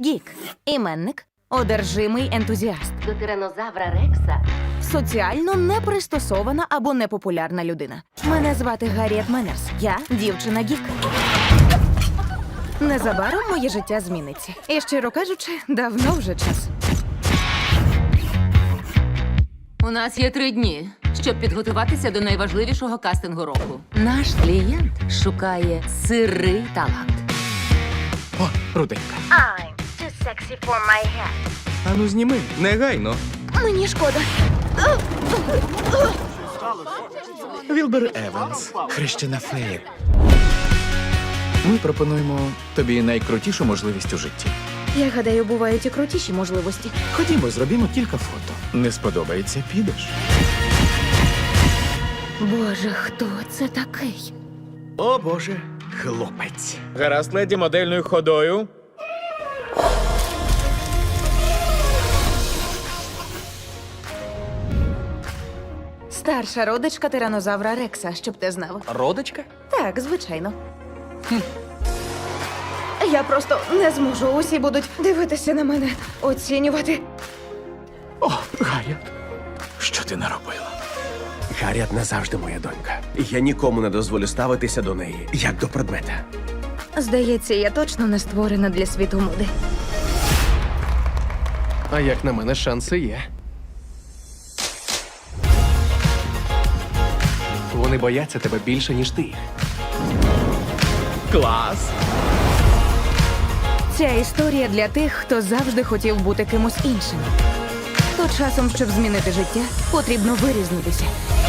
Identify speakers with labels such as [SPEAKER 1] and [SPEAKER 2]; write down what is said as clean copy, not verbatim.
[SPEAKER 1] Гік. Іменник. Одержимий ентузіаст.
[SPEAKER 2] До тиранозавра Рекса
[SPEAKER 1] Соціально непристосована або непопулярна людина. Мене звати Гарріет Меннерс. Я дівчина Гік. Незабаром моє життя зміниться. І, щиро кажучи, давно вже час.
[SPEAKER 3] У нас є 3 дні, щоб підготуватися до найважливішого кастингу року. Наш клієнт шукає сирий талант.
[SPEAKER 4] О, руденька.
[SPEAKER 1] I'm too sexy for my head.
[SPEAKER 4] Ану зніми, негайно.
[SPEAKER 1] Мені шкода.
[SPEAKER 4] Вілбер Еванс, хрещена фея. Ми пропонуємо тобі найкрутішу можливість у житті.
[SPEAKER 1] Я гадаю, бувають і крутіші можливості.
[SPEAKER 4] Ходімо, зробімо кілька фото. Не сподобається, підеш.
[SPEAKER 1] Боже, хто це такий?
[SPEAKER 4] О, Боже, хлопець. Гаразд, леді, модельною ходою.
[SPEAKER 1] Старша родичка тиранозавра Рекса, щоб ти знав.
[SPEAKER 4] Родочка?
[SPEAKER 1] Так, звичайно. Я просто не зможу. Усі будуть дивитися на мене, оцінювати.
[SPEAKER 4] О, Гарріет, що ти наробила?
[SPEAKER 5] Гарріет назавжди моя донька. І я нікому не дозволю ставитися до неї, як до предмета.
[SPEAKER 1] Здається, я точно не створена для світу моди.
[SPEAKER 6] А як на мене, шанси є. Вони бояться тебе більше, ніж ти їх.
[SPEAKER 4] Клас!
[SPEAKER 1] Ця історія для тих, хто завжди хотів бути кимось іншим. То часом, щоб змінити життя, потрібно вирізнитися.